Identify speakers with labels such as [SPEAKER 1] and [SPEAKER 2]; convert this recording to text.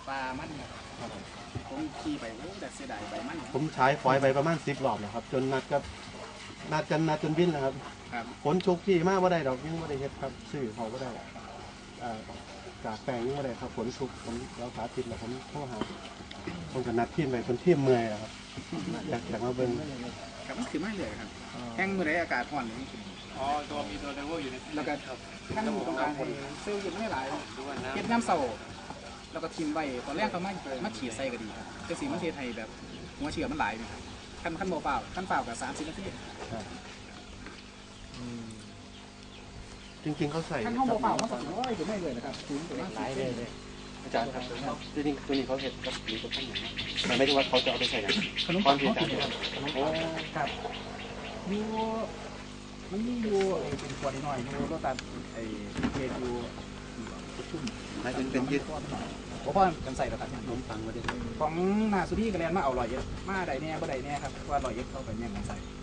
[SPEAKER 1] ปลามันผมขี่ไปโอ้แต่เสียดายใบมัน
[SPEAKER 2] ผมใช้ฟอยไปประมาณ10 รอบแล้วครับจนนัดจนวิ่นนะครับฝนชุกพี่มากว่าได้ดอกยิ่งว่าได้เฮ็ดครับซื้อเขาก็ได้กากแปลงยิ่งว่าได้ครับฝนชุกผมแล้วสาธิตแล้วผมโทรหาผมก็นัดทีมไปคนทีมเมื่อยครับอยากมาเบิ่ง
[SPEAKER 1] ครับมันคือไม่เลยครับแห้งเมื่อไรอากาศร้อนเลย
[SPEAKER 3] อ๋อตัวมีตัวเลเวลอยู่ใน
[SPEAKER 1] แล้วก็ท่านต้องการให้เซลล์อยู่ไม่หลายเก็บน้ำเสาแล้วก็ทิมไว้ตอนแรกเขามาฉีดใส่ก็ดีครับแต่สีมันเทไทยแบบหัวเชื้อมันหลายนะครับขั้นโมเปล่าขั้นเปล่ากับ30 นาที
[SPEAKER 2] จริงๆเขาใส่
[SPEAKER 1] ขั้นห้องโมเปล่าเขาใส่โอ้ยถึงไม่เลยนะครับถึงหลายเลย
[SPEAKER 2] อาจารย์ครับจริงๆตัวนี้เขาเห็ดกับหรือกับข้าวเหนียวมันไม่ได้ว่าเขาจะเอาไปใส่
[SPEAKER 1] ขนมปังเขาเขียนครับยูมันมียูเป็นขวดหน่อยยูรสตัดไอ้เกยูชุ่ม
[SPEAKER 2] เป็นยืด
[SPEAKER 1] เพราะกันใส่แล้วครับขนมปังมาด้วยของนาสุดี้กระเรียนมาเอาลอยเยอะมาใดแน่บ่ใดแน่ครับว่าลอยเยอะเข้าไปเนี่ยมันใส่